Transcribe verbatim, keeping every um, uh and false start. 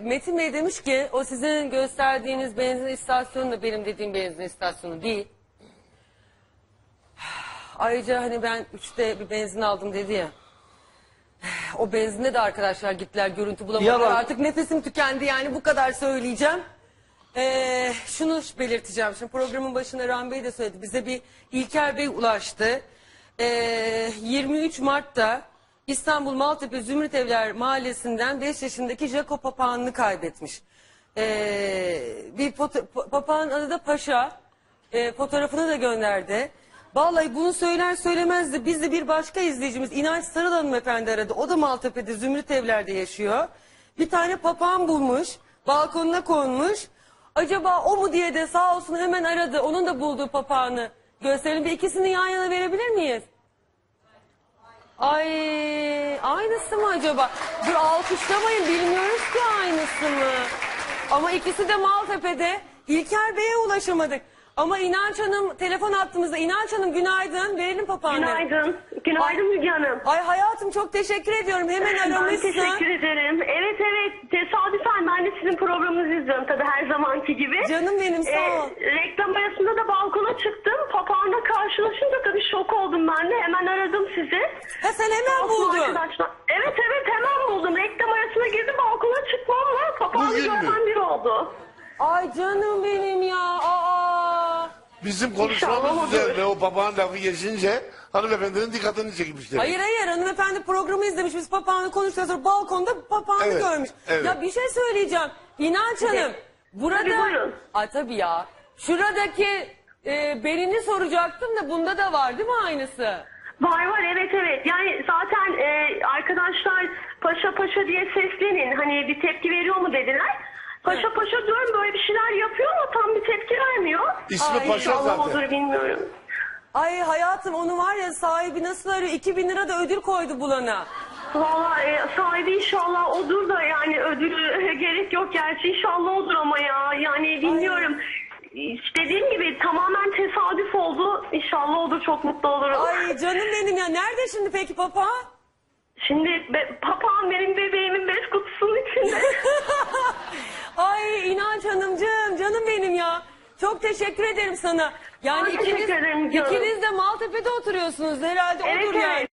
Metin Bey demiş ki o sizin gösterdiğiniz benzin istasyonu da benim dediğim benzin istasyonu değil. Ayrıca hani ben üçte bir benzin aldım dedi ya. O benzinde de arkadaşlar gittiler, görüntü bulamadılar. Yalan. Artık nefesim tükendi, yani bu kadar söyleyeceğim. Ee, şunu belirteceğim. Şimdi programın başında Rahmi Bey de söyledi. Bize bir İlker Bey ulaştı. Ee, yirmi üç Mart'ta İstanbul Maltepe Zümrüt Evler Mahallesi'nden beş yaşındaki Jaco papağanını kaybetmiş. Ee, bir foto- papağan adı da Paşa. Ee, fotoğrafını da gönderdi. Vallahi bunu söyler söylemez de biz de bir başka izleyicimiz İnanç Sarıl hanımefendi aradı. O da Maltepe'de Zümrüt Evler'de yaşıyor. Bir tane papağan bulmuş. Balkonuna konmuş. Acaba o mu diye de sağ olsun hemen aradı. Onun da bulduğu papağanı gösterelim. Bir ikisini yan yana verebilir miyiz? Ay, aynısı mı acaba? Dur alkışlamayın, bilmiyoruz ki aynısı mı? Ama ikisi de Maltepe'de. İlker Bey'e ulaşamadık. Ama İnanç Hanım telefon attığımızda. İnanç Hanım günaydın, verelim papağanı. Günaydın. Günaydın Müge Hanım. Ay hayatım çok teşekkür ediyorum. Hemen aramışsın. Ben teşekkür ederim. Evet evet. Tesadüfen ben de sizin programınızı izliyorum tabii her zamanki gibi. Canım benim, sağ ol. Ee, reklam arasında da balkona çıktım. Papağanla karşılaşınca tabii şok oldum ben de. Hemen aradım sizi. Ha sen hemen Balkon buldun. arkadaşlar. Evet evet hemen buldum. Reklam arasına girdim, balkona çıkmamla papağanı Bugün mü? gören biri oldu. Ay canım benim ya. Aa. Bizim İnşallah konuşmamız olur. üzerine o papağan lafı geçince hanımefendinin dikkatini çekmişler. Hayır hayır, hanımefendi programı izlemiş, biz papağanı konuştuktan sonra balkonda papağanı Evet, görmüş. evet. Ya bir şey söyleyeceğim. İnanç Hanım, burada... Tabii, buyurun. Ay tabii ya. Şuradaki e, Berin'i soracaktım da bunda da var değil mi aynısı? Var var evet evet. Yani zaten e, arkadaşlar paşa paşa diye seslenin. Hani bir tepki veriyor mu dediler. Paşa paşa diyorum, böyle bir şeyler yapıyor ama tam bir tepki vermiyor. İsmi Ay, Paşa Allah zaten. olur bilmiyorum. Ay hayatım, onu var ya, sahibi nasıl arıyor? iki bin lira da ödül koydu bulana. Valla e, sahibi inşallah odur da, yani ödülü gerek yok gerçi, inşallah odur ama ya. Yani bilmiyorum. İşte dediğim gibi tamamen tesadüf oldu. İnşallah odur, çok mutlu olurum. Ay canım benim ya. Nerede şimdi peki papağan? Şimdi be, papağan benim bebeğimin bez kutusunun içinde. Ay İnanç Hanımcığım, canım benim ya. Çok teşekkür ederim sana. Yani Ben ikiniz, teşekkür ederim canım. ikiniz de Maltepe'de oturuyorsunuz herhalde, Evet, odur yani. evet.